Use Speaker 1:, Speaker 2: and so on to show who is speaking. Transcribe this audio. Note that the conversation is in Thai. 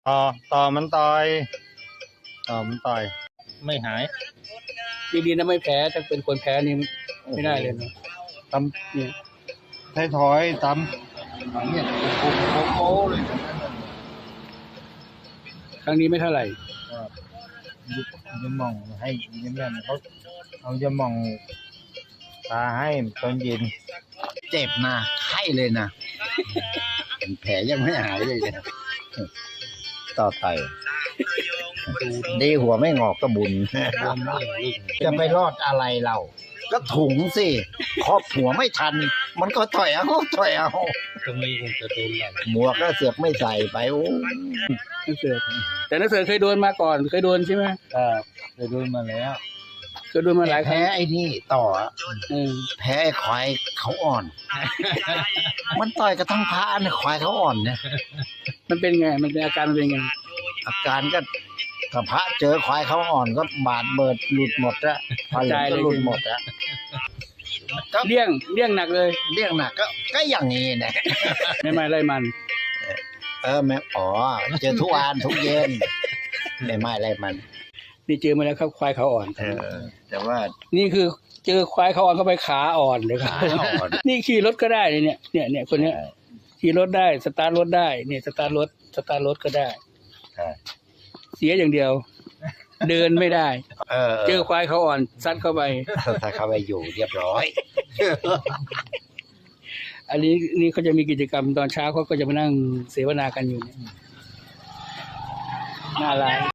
Speaker 1: ต่อมันต่อยไม่หาย
Speaker 2: ดีๆนะไม่แพ้ถ้าเป็นคนแพ้นี่ไม่ได้เลยนะตำเนี่ย
Speaker 1: ให้ถอยตำเนี่ยโค้เลย
Speaker 2: ครั้งนี้ไม่เท่าไหร่
Speaker 1: จะมองให้ยิ้มแย้มเขาเอาจะมองตาให้ตอนเย็นเจ็บนะไข้เลยนะแผลยังไม่หายเลยนะต่อไตดีหัวไม่งอกก็บุญจะไปรอดอะไรเราก็ถุงสิครอบหัวไม่ทันมันก็ถอยเอาตรงนี้จะโดนหมวกก็เสือกไม่ใส่ไปโอ้
Speaker 2: นักเสือแต่นักเสือเคยโดนมาก่อนเคยโดนใช่ไหม
Speaker 1: เคยโดนมาแล้ว
Speaker 2: เคยโดนมาหลายครั้ง
Speaker 1: แพ้ไอ้นี่ต่อแพ้ไอ้ควายเขาอ่อนมันต่อยกระทั่งพระนะควายเขาอ่อนเนี่ย
Speaker 2: มันเป็นไงมันเป็นอาการมันเป็นไง
Speaker 1: อาการก็กับพระเจอควายเขาอ่อนก็บาดเบิดหลุดหมดละพอหลุดหมดละ
Speaker 2: เลี่ยงหนักเลย
Speaker 1: เลี่ยงหนักก็อย่างนี้นะ
Speaker 2: ไม่ไล่มัน
Speaker 1: แม่เจอทุกวันทุกเย็นไม่ไล่มัน
Speaker 2: นี่เจอมาแล้วครับควายเขาอ่อน
Speaker 1: แต่ว่า
Speaker 2: นี่คือเจอควายเขาอ่อนเข้าไปขาอ่อนเลยครับนี่ขี่รถก็ได้เนี่ยคนนี้ขี่รถได้สตาร์ทรถได้เนี่ยสตาร์ทรถก็ได้เสียอย่างเดียวเดินไม่ได้เจอควายเขาอ่อนซัดเข้าไป
Speaker 1: อยู่เรียบร้อย
Speaker 2: อันนี้เขาจะมีกิจกรรมตอนเช้าเขาก็จะมานั่งเสวนากันอยู่เนี่ยน่ารัก